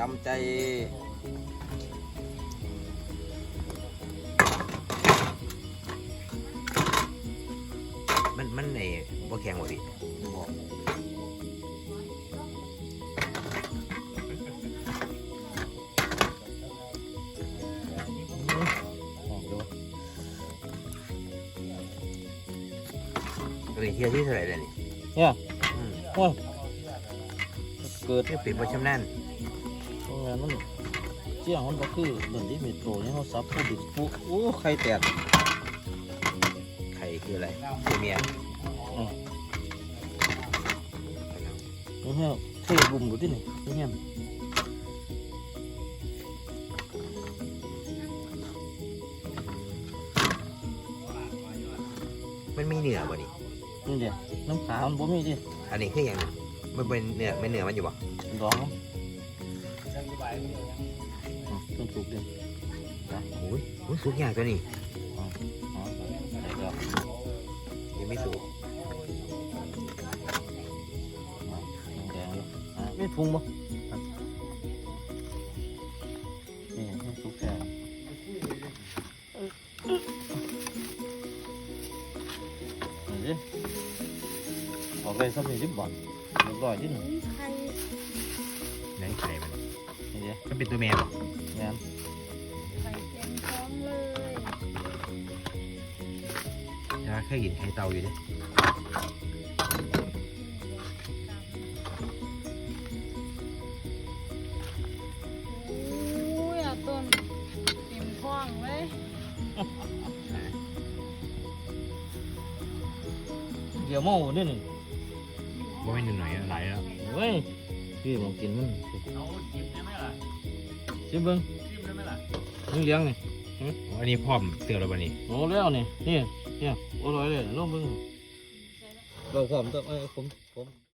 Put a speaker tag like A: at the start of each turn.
A: ำใจมันไอ้บ่แข็งบ่พี่
B: บอก
A: เฮียที่เท่าไหร่เลยนี่
B: เนี่ยโอ้ยเกิด
A: นี่เป็นประชำนาญ
B: โรงงานมันเจียงมันก็คือเหมือนที่เมโทรเนี่ยเขาซับผู้ดิบปุ๊โอ้ไข่แตก
A: ไข่คืออะไรคือเมีย
B: นี่เทบุ่มดูที่นี่นี่
A: มันมีเนื้อบ่นี่
B: นี่เดียวน้ำขามันบ่มีดิ
A: อันนี้คืออย่างมันเป็นเนื้อไม่เนื้อมันอยู่บ่
B: ดองต้องถูกดิ
A: โอ้ยสุกยากตัวนี้
B: เดี๋ยว
A: ยังไม่สุก
B: แดงอยู่ไม่พุงบ่นี่ให้สุกแก่นี่ออกเลยสักนิดบ่อนเรียบร้อยดิหนึ่ง
A: ไหนไข่มัน
B: นี่เดียว
A: มันเป็นตัวแม่บ่
B: งาน
C: ไข่เค็มท้องเลย
A: ถ้าเคยกินไข่เต่าอยู่ดิ
C: โอ้ยอ่ะต้นเต็มท้องเลย
B: เดี๋ยวเมาเนี่ยนี่
A: บ่ไม่นหน่อยหลายแล้ว
B: เว้ยพี่มองกินมันชิมเบิ้งนี่เลี้ยงนี่
A: อันนี้พร้อมเสือแล้วบ่นี่
B: โอ้แล้วนี่นี่โอ้ร้อยเลยลองเบิ้งเราพร้อมต้องผม